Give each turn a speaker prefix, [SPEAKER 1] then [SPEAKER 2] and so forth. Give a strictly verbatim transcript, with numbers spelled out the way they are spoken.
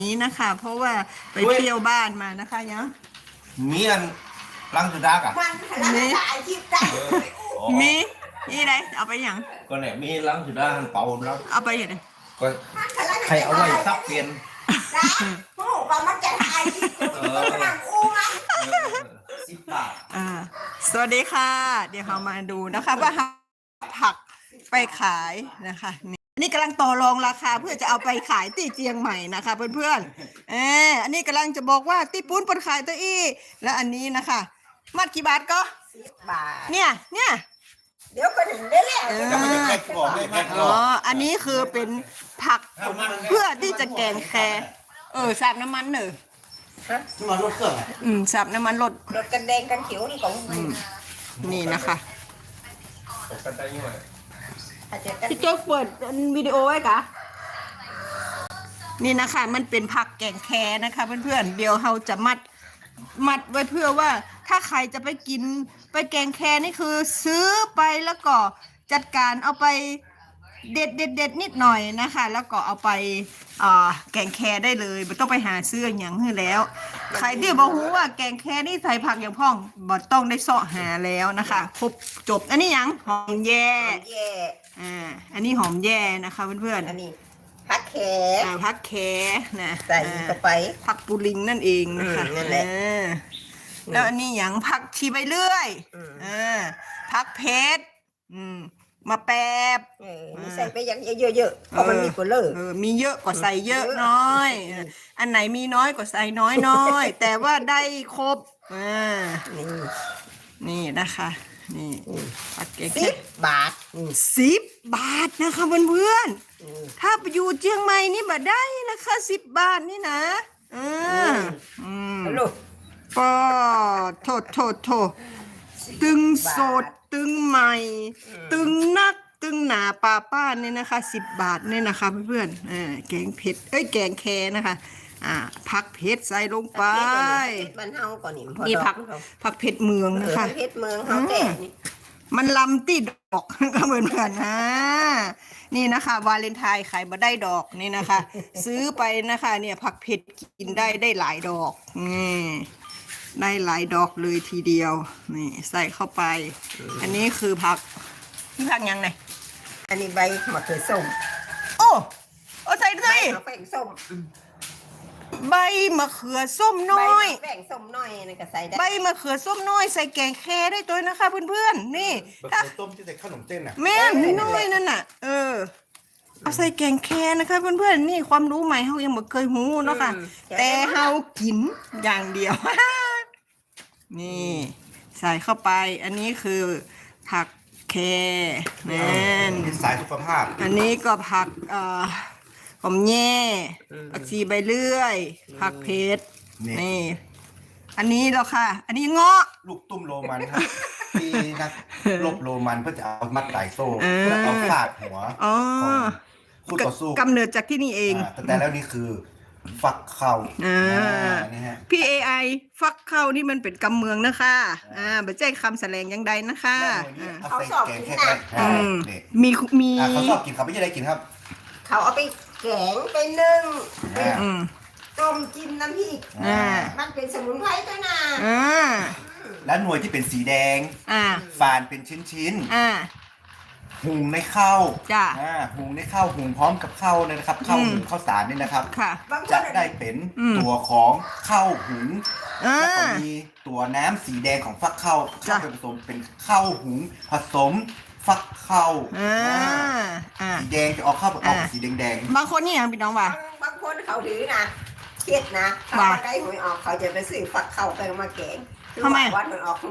[SPEAKER 1] นี้นะคะเพราะว่าไปเที่ยวบ้านมานะคะยัง
[SPEAKER 2] มีอันลังสุดากับ
[SPEAKER 1] มีมีนี่ไรเอาไปอย่าง
[SPEAKER 2] ก็เนี่ยมีลังสุดาหันเป่าแล้ว
[SPEAKER 1] เอาไปอย่างไร
[SPEAKER 2] ก็ใครเอาไว้ซับเปลี่ยนสิบบาท
[SPEAKER 1] อ่าสวัสดีค่ะเดี๋ยวเรามาดูนะคะว่าผักไปขายนะคะนี่กำลังต่อรองราคาเพื่อจะเอาไปขายที่เชียงใหม่นะคะเพื่อนๆเอออันนี้กำลังจะบอกว่าตีปุ้นปนขายตัวอี้แล้วอันนี้นะคะมัดกี่บาทก็
[SPEAKER 3] สิบบาท
[SPEAKER 1] เนี่ยเนี่ย
[SPEAKER 3] เดี๋ยวก็ถึงได้แล้ว
[SPEAKER 1] อ๋ออันนี้คือเป็นผักเพื่อที่จะแกงแคเออสับน้ำมันเนอะ
[SPEAKER 2] น้ำมันรถเครื่อง
[SPEAKER 1] อืมสับน้ำมันรถ
[SPEAKER 3] รถกันแดงกันเขียวนี่ของ
[SPEAKER 1] นี่นะคะพี่โจ๊กเปิดวิดีโอไว้กะนี่นะคะมันเป็นผักแกงแคนะคะเพื่อนๆเดี๋ยวเราจะมัดมัดไว้เพื่อว่าถ้าใครจะไปกินไปแกงแคนี่คือซื้อไปแล้วก็จัดการเอาไปเด็ดเด็ดเด็ดนิดหน่อยนะคะแล้วก็เอาไปแกงแคได้เลยไม่ต้องไปหาซื้ออย่างนี้แล้วใครที่บอกว่าแกงแคนี่ใส่ผักอย่างพ่องบ่ต้องได้เสาะหาแล้วนะคะครบจบอันนี้ยังหอมแย่อ่าอันนี้หอมแย่นะคะเพื่อนๆ
[SPEAKER 3] อันนี้ผักแข
[SPEAKER 1] อ่าผักแขนะ
[SPEAKER 3] ใส่เข้าไป
[SPEAKER 1] ผักปูลิงนั่นเองนะคะ
[SPEAKER 3] นั่นแหละ
[SPEAKER 1] แล้วอันนี้อย่างผักชีใบเลื่อยอ่าผักเพชรอืมมาแป๊บ
[SPEAKER 3] ใส่ไปอย่างเยอะๆเพราะมันมีกุหลาบ
[SPEAKER 1] มีเยอะก็ใส่เยอะน้อยอันไหนมีน้อยก็ใส่น้อยน้อยแต่ว่าได้ครบอ่านี่นะคะนี่ผักเก๋
[SPEAKER 3] สิบบาท
[SPEAKER 1] สิบบาทนะคะเพื่อนๆถ้าไปอยู่เชียงใหม่นี่มาได้นะคะสิบบาทนี่นะอืมอืมก็โทษโทษโทษตึงสดตึงใหม่ตึงนักตึงหนาปลาป้าเนี่ยนะคะสิบบาทเนี่ยนะคะเพื่อนๆอ่าแกงเผ็ดเอ้ยแกงแคนะคะอ่าผักเผ็ดใส่ลงไป
[SPEAKER 3] มันเฮาก่อน
[SPEAKER 1] นี่ผักผักเผ็ดเมืองนะคะ
[SPEAKER 3] เผ็ดเมืองเขาแต่
[SPEAKER 1] มันลำติดดอกก็เหมือนกันนะนี่นะคะวาเลนไทน์ขายมาได้ดอกนี่นะคะซื้อไปนะคะเนี่ยผักเผ็ดกินได้ได้หลายดอกนี่ได้หลายดอกเลยทีเดียวนี่ใส่เข้าไปอันนี้คือผักนี่ผักยังไง
[SPEAKER 3] อันนี้ใบมะเขือส้ม
[SPEAKER 1] โอ้โอ้ใส่ด้วย
[SPEAKER 3] แป้งส้ม
[SPEAKER 1] ใบมะเขือส้มน้อย
[SPEAKER 3] แป้งส้มน้อยนี่ก็ใส่ได้
[SPEAKER 1] ใบมะเขือส้มน้อยใส่แกงแคได้ตัวนะคะเพื่อนๆนี่
[SPEAKER 2] ถ้าส้มที่ใส่ขนมเส้นอ่ะ
[SPEAKER 1] แม่น้อยนั่นน่ะเออเอาใส่แกงแคนะคะเพื่อนๆนี่ความรู้ใหม่เขายังไม่เคยหูเนาะค่ะแต่เฮากินอย่างเดียวนี่ใส่เข้าไปอันนี้คือผักแคนั่น
[SPEAKER 2] เป็นสายสุขภาพ
[SPEAKER 1] อันนี้ก็ผักเอ่อหอมแย่ผักชีใบเลื่อยผักเพชรนี่อันนี้แล้วค่ะอันนี้เงาะ
[SPEAKER 2] ลูกตุ้มโรมันครับที่นักลบโรมันเพื่อจะเอามัดไก่โซ่แล้วเอาฟาดหัวคู่ต่อสู้
[SPEAKER 1] กำเนิดจากที่นี่เอง
[SPEAKER 2] แต่แล้วนี่คือฟักเข้า
[SPEAKER 1] อ่าพี่เอไอฟักเข้านี่มันเป็นกำเมืองนะคะอ่าไม่ใช่คำแสดงยังใดนะคะ
[SPEAKER 3] เขาสอบกินนะ
[SPEAKER 1] มีมี
[SPEAKER 2] เขาสอบกินเขาไม่ใช่ได้กินครับ
[SPEAKER 3] เขาเอาไปแกงไปนึ่งต้มจิ้มน้ำพริกมันเป็นสมุนไพรตัวน่ะ
[SPEAKER 2] แล้วหน่วยที่เป็นสีแดงฝานเป็นชิ้นๆหุงในข้าว
[SPEAKER 1] จ้ะ
[SPEAKER 2] หุงในข้าวหุงพร้อมกับข้าวเลยนะครับข้าวหุงข้าวสารนี่นะครับจะได้เป็นตัวของข้าวหุงแล้วก็มีตัวน้ำสีแดงของฟักข้าวจะผสมเป็นข้าวหุงผสมฟักข้าวสีแดงจะออกข้าวออกสีแดง
[SPEAKER 1] ๆบางคนนี่ยังพี่น้องว่า
[SPEAKER 3] บางคนเขาถือนะเครียดนะเขาได้หวยออกเขาจะไปซื้อฟักข้าวไปมาแกง
[SPEAKER 1] ทำไม
[SPEAKER 3] วัดมันออก